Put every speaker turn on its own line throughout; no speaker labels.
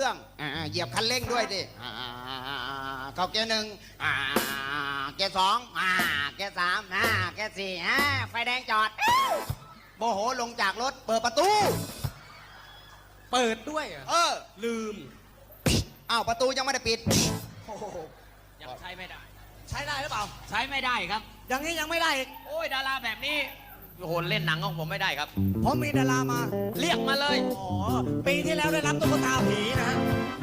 รื่องเหยียบคันเร่งด้วยดิเข้าเกียร์หนึ่งเกียร์สองเกียร์สามเกียร์สี่ไฟแดงจอดโมโหลงจากรถเปิดประตู
เปิดด้วย
ลืมอ้าวประตูยังไม่ได้ปิด
ยังใช้ไม่ได้
ใช้ได้หรือเปล่า
ใช้ไม่ได้ครับ
อย่างนี้ยังไม่ได้อีก
โอ้ยดาราแบบนี้โอ้โหเล่นหนังของผมไม่ได้ครับ
ผมมีดารามา
เรียกมาเลย
ปีที่แล้วได้รับตุ๊กตาผีนะฮะ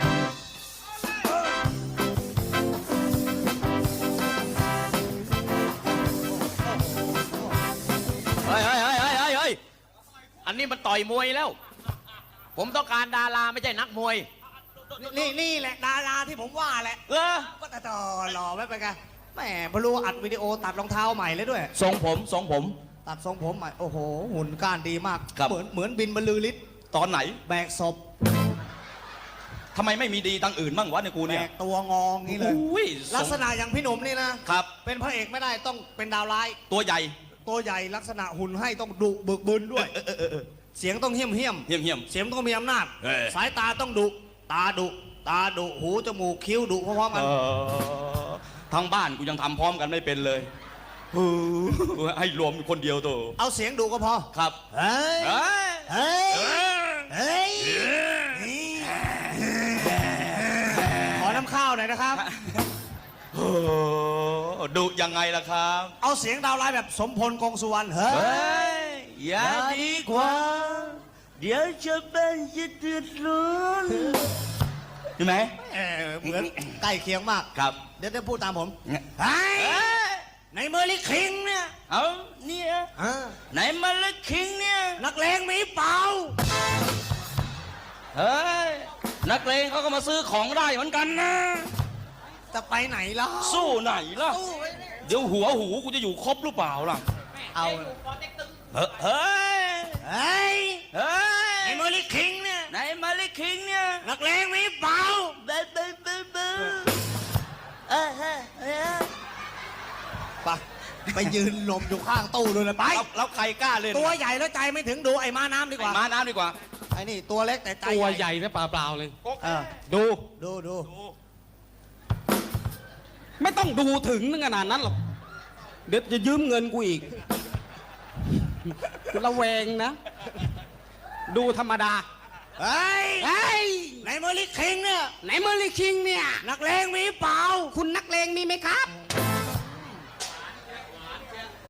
เฮ้ยอันนี้มันต่อยมวยแล้วผมต้องการดาราไม่ใช่นักมวย
นี่แหละดาราที่ผมว่าแหละก็แต่หล่อไม่เป็นไงแหมพอรู้อัดวิดีโอตัดรองเท้าใหม่เลยด้วย
ทรงผม
ตัดทรงผมใหม่โอ้โหหุ่นก้านดีมากเหมือนบินบรรลือฤทธิ์
ตอนไหน
แบกศพ
ทำไมไม่มีดีตั้งอื่นบ้างวะในกูเนี่ย
แบกตัวงองนี่เลยลักษณะอย่างพี่หนุ่มนี่นะครับเป็นพระเอกไม่ได้ต้องเป็นดาวร้าย
ตัวใหญ่
ลักษณะหุ่นให้ต้องดุบึกบึนด้วยเสียงต้องเหี้ยมเสียงต้องมีอำนาจสายตาต้องดุตาดุหูจมูกคิ้วดุพร้อมกัน
ทั้งบ้านกูยังทำพร้อมกันไม่เป็นเลยให้รวมคนเดียวตัว
เอาเสียงดุก็พอ
ครับ
เฮ้ยขอน้ำข้าวหน่อยนะครับ
ดุยังไงล่ะครับ
เอาเสียงดาวร้ายแบบสมพลกงสุวรรณเฮ้ย
อย่าดีกว่าเดี๋ยวจะเป็นจะเดือดร้อนใช่ไหม
เหมือนใกล้เคียงมาก
ครับ
เดี๋ยวพูดตามผมในเมอร์ลิคิงเนี่ย
เนี่ยไหนมาลิคิงเนี่ย
นักเลงมีเปล่า
เฮ้ยนักเลงเขาก็มาซื้อของได้เหมือนกันนะ
จะไปไหนล่ะ
สู้ไหนล่ะเดี๋ยวหัวหูกูจะอยู่ครบหรือเปล่าล่ะ
เอา
เฮ้ย
ในเมอร์ลิคิงเนี่ย
ไหนมาลิคิงเนี่ย
นักเลงมีเปล่าไปยืนลมอยู่ข้างตู้เลยนะไป
แล้วใครกล้าเล่น
ตัวใหญ่แล้วใจไม่ถึงดูไอ้ม้าน้ำดีกว่า
ม้าน้ำดีกว่า
ไอ้นี่ตัวเล็กแต่ใจ
ตัวใหญ่นะเปล่าเลย
ดู
ไม่ต้องดูถึงขนาดนั้นหรอกเดี๋ยวจะยืมเงินกูอีกระแวงนะดูธรรมดา
ในเมอร์ลิคิงเนี่ย
นักเลงมีเปล่า
คุณนักเลงมีไหมครับ